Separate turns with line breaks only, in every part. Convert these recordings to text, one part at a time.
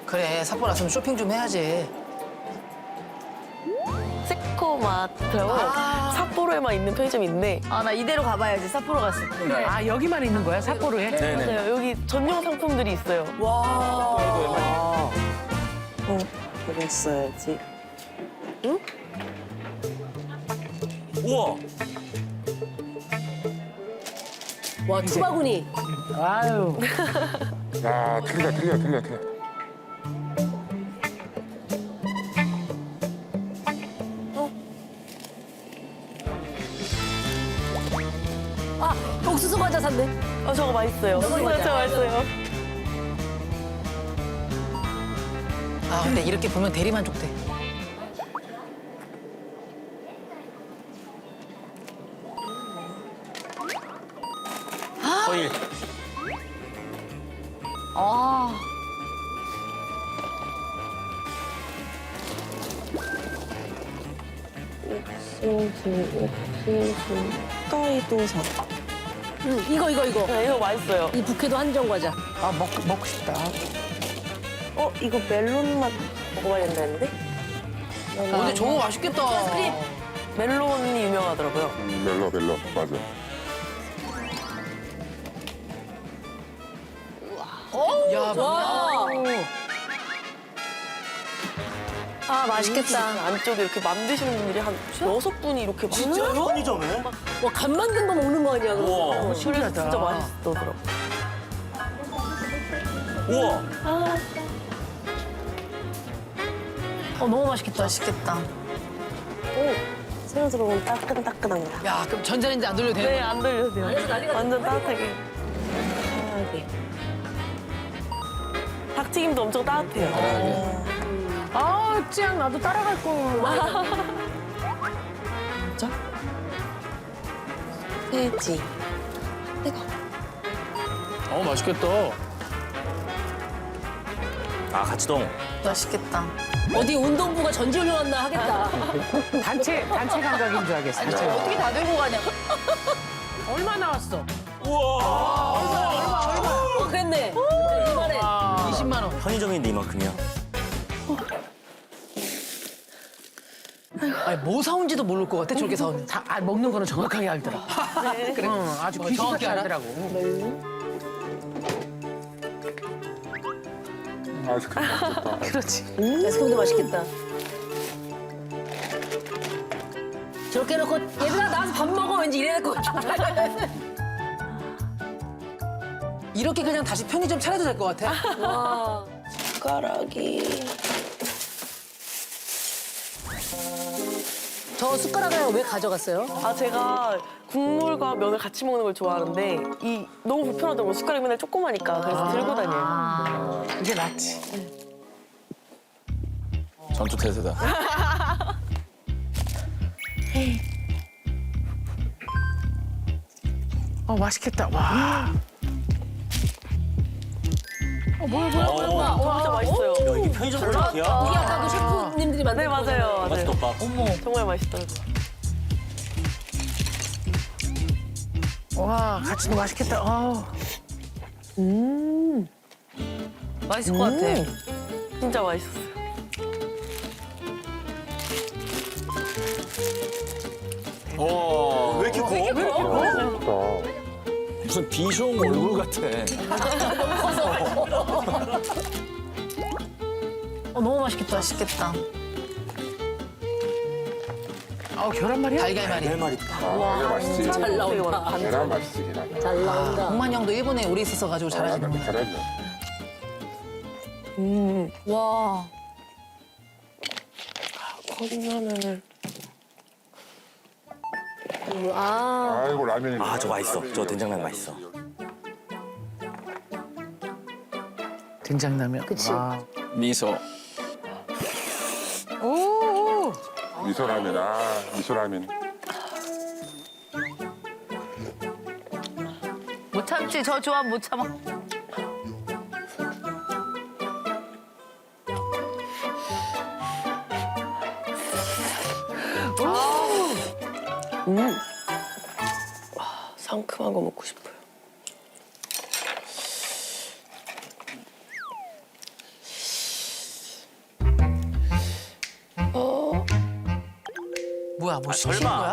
그래, 삿포로 왔으면 쇼핑 좀 해야지.
세코마트라고
아.
삿포로에만 있는 편의점이 있는데
아, 나 이대로 가봐야지. 삿포로 갔을 때.
아, 여기만 있는 거야, 삿포로에?
네네.
맞아요. 여기 전용 상품들이 있어요.
그랬어야지.
우와.
와, 투바구니.
아유.
야, 틀려.
아, 옥수수 과자 샀네.
저거 맛있어요.
저거 맞아.
진짜 맛있어요.
아, 근데 이렇게 보면 대리만족돼.
거의
아.
옥수수 사.
이거.
네, 이거 맛있어요.
이 북해도 한정 과자.
아, 먹고 싶다.
이거 멜론 맛 먹어봐야 된다는데?
근데 저거 맛있겠다.
멜론이 유명하더라고요.
멜로, 맞아.
야,
와. 아, 맛있겠다.
안쪽에 이렇게 만드시는 분들이 한 6분이 이렇게
진짜로? 편의점에?
와, 간 만든 거 먹는 거 아니야, 그거.
우와.
그래서 진짜 맛있더라고요.
우와.
너무 맛있겠다. 맛있겠다.
새로 들어온 따끈따끈한 거.
야, 그럼 전자레인지 안 돌려도 되는
네,
거야?
안 돌려도 돼요.
난리가
완전 따뜻하게.
편하게.
닭튀김도 엄청 따뜻해요.
아, 찌양 나도 따라갈 걸.
돼지.
맛있겠다. 아, 같이동.
맛있겠다.
어디 운동부가 전지훈련 왔나 하겠다.
단체 감각인 줄 알겠어. 단체 감각.
어떻게 다 들고 가냐?
얼마 나왔어?
그랬네. 이만해.
20만 원.
편의점인데 이만큼이야.
아니, 뭐 사온지도 모를 것 같아, 저렇게 사오는지.
먹는 거는 정확하게 알더라. 그래. 아주
정확히
정확히
알아?
알더라고.
아이스크림 맛있다.
그렇지.
아이스크림도 맛있겠다. 저렇게 해놓고 얘들아 나와서 밥 먹어 왠지 이래야 될 것 같아.
이렇게 그냥 다시 편의점 차려도 될 것 같아.
와.
숟가락이.
저 숟가락을 왜 가져갔어요?
제가 국물과 면을 같이 먹는 걸 좋아하는데 너무 불편하더라고요. 숟가락이 맨날 조그마니까. 그래서 들고 다녀요.
이게 낫지.
전투 태세다.
맛있겠다. 와.
뭐야.
진짜 맛있어요.
야, 이게 편의점 퀄리티야?
우리 아까도 셰프님들이 만든
네, 맞아요.
맛있겠다.
정말 맛있더라고요.
와, 같이도 맛있겠다.
맛있을 것 같아.
진짜 맛있었어요.
와, 왜 이렇게 커?
맛있다.
무슨 비숑 얼굴 같아.
너무 맛있겠다. 맛있겠다.
계란말이야?
달걀말이.
내
이게 맛있지.
잘 나온다.
계란 맛있지, 계란.
잘 나온다.
동만 형도 일본에 오래 있었어가지고 잘하시는 거야.
잘하죠.
와.
컵라면을.
아.
아이고, 라면이.
아, 저 맛있어. 저 된장라면 맛있어.
된장라면.
그치.
와.
미소.
미소라면, 미소라면.
못 참지. 저 조합 못 참아.
상큼한 거 먹고 싶어요.
뭐야, 뭐 시키는 거야?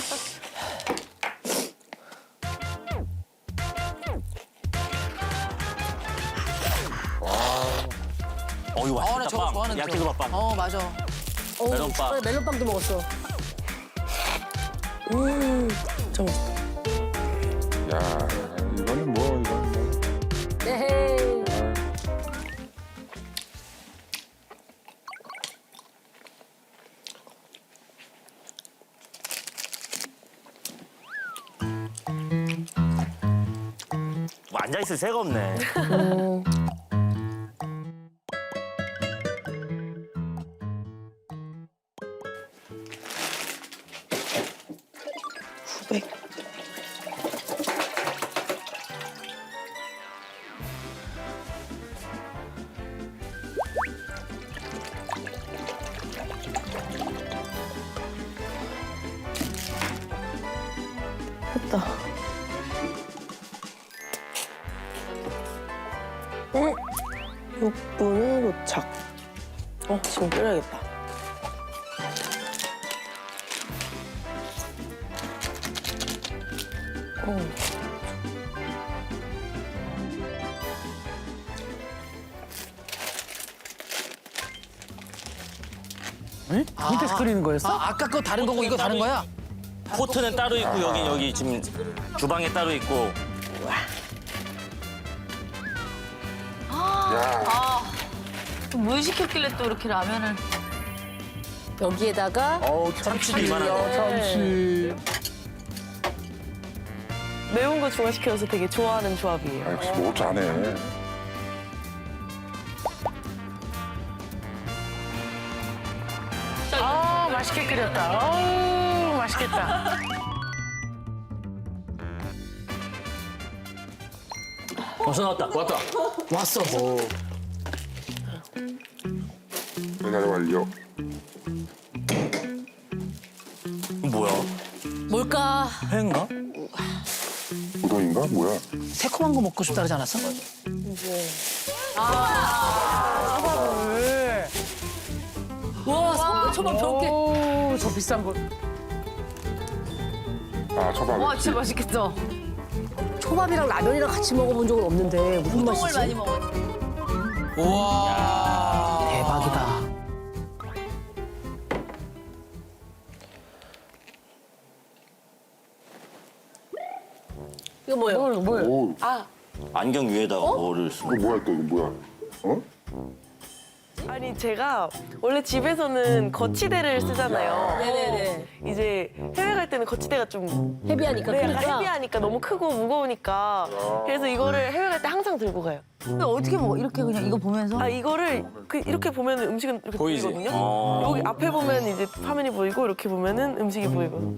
이거
나 저거
맛있다.
좋아하는
야끼소바빵.
맞아.
멜론빵.
그래, 멜론빵도 먹었어.
좀
야, 이거는 뭐.
에헤이.
뭐 앉아있을 새가 없네.
후백. 됐다. 6분에 도착. 지금 끓여야겠다.
밑에서 끓이는 거였어?
아까 거 다른 거고 이거 다른 거야?
포트는 따로 있고 여기 지금 주방에 따로 있고.
야,
뭘 시켰길래 또 이렇게 라면을.
여기에다가
참치도 이만한 거.
참치.
매운 거 중화시켜서 되게 좋아하는 조합이에요.
아, 역시 뭐 잘하네.
아, 맛있게 끓였다. 어우, 맛있겠다.
벌써 나왔다. 왔다.
왔어.
배달 완료.
뭐야?
뭘까?
회인가?
우동인가? 뭐야?
새콤한 거 먹고 싶다 그러지 않았어?
와, 성게초밥 저렇게.
오, 저 비싼 거.
아, 초밥.
와 진짜 맛있겠다.
초밥이랑 라면이랑 같이 먹어본 적은 없는데 무슨
똥을
맛이지?
많이 먹었지.
우와. 대박이다.
이거 뭐예요?
뭐예요?
오,
안경 위에다가 뭐를 쓰고.
이거 뭐야 또 이거 뭐야? 어?
아니 제가 원래 집에서는 거치대를 쓰잖아요.
네네네.
이제 해외 갈 때는 거치대가 좀
헤비하니까
네, 약간
크니까.
헤비하니까 너무 크고 무거우니까 그래서 이거를 해외 갈 때 항상 들고 가요.
근데 어떻게 먹어? 이렇게 그냥 이거 보면서?
이거를 이렇게 보면 음식은 이렇게
보이지?
보이거든요.
어.
여기 앞에 보면 이제 화면이 보이고 이렇게 보면은 음식이 보이고.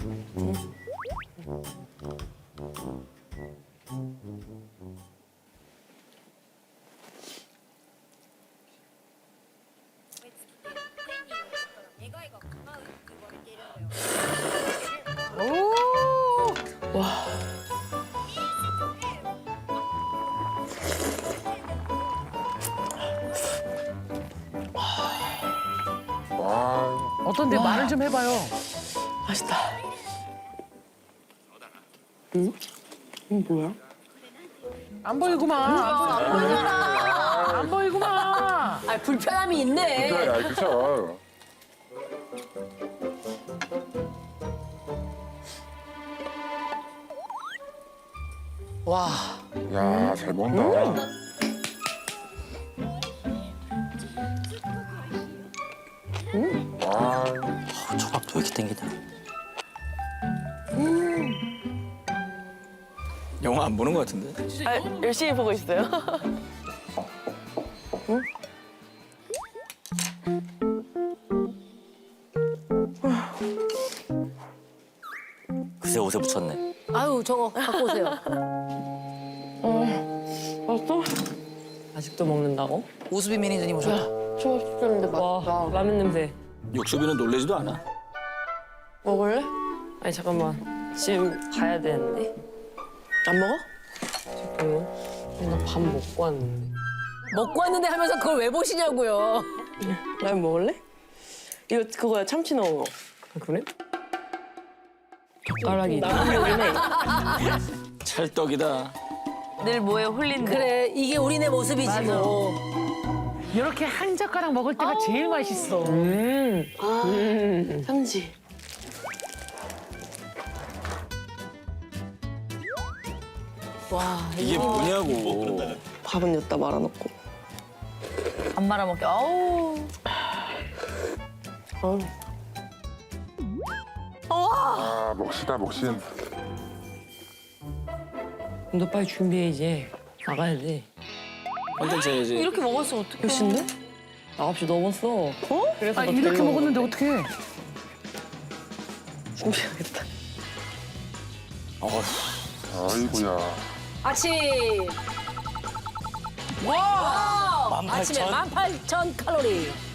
와,
어떤데 말을 좀 해봐요.
맛있다. 응? 뭐야?
안 보이구만. 안 보이구만.
아, 불편함이 있네.
그래, 그쵸.
와.
야, 잘 먹는다. 와,
초밥도 왜 이렇게 땡기냐? 영화 안 보는 것 같은데?
열심히 보고 있어요.
그새 옷에 붙였네.
아유, 저거 갖고 오세요.
맛있어?
아직도 먹는다고?
우수비 매니저님 오셨다.
초밥 시켰는데 맛있다.
라면 냄새.
육수비는 놀래지도 않아.
먹을래?
아니 잠깐만. 지금 가야 되는데.
안 먹어?
잠깐만. 나 밥 먹고 왔는데.
먹고 왔는데 하면서 그걸 왜 보시냐고요.
라면 먹을래? 이거 그거야 참치 넣은 거.
아, 그래? 젓가락이
찰떡이다.
늘 뭐에 홀린다.
그래 이게 우리네 모습이지 뭐.
이렇게 한 젓가락 먹을 때가 제일 맛있어.
현지.
이게 뭐냐고.
밥은 여기다 말아놓고.
안 말아먹게. 아우.
아, 먹시다, 먹신.
너 빨리 준비해 이제 나가야 돼.
컨텐츠 해야지.
이렇게 먹었으면 어떡해.
몇 시인데?
9시 넘었어. 그래서
아,
너
이렇게
데리러
먹었는데 어떡해.
준비해야겠다.
아이고야.
아침. 와. 아침에 18,000 칼로리.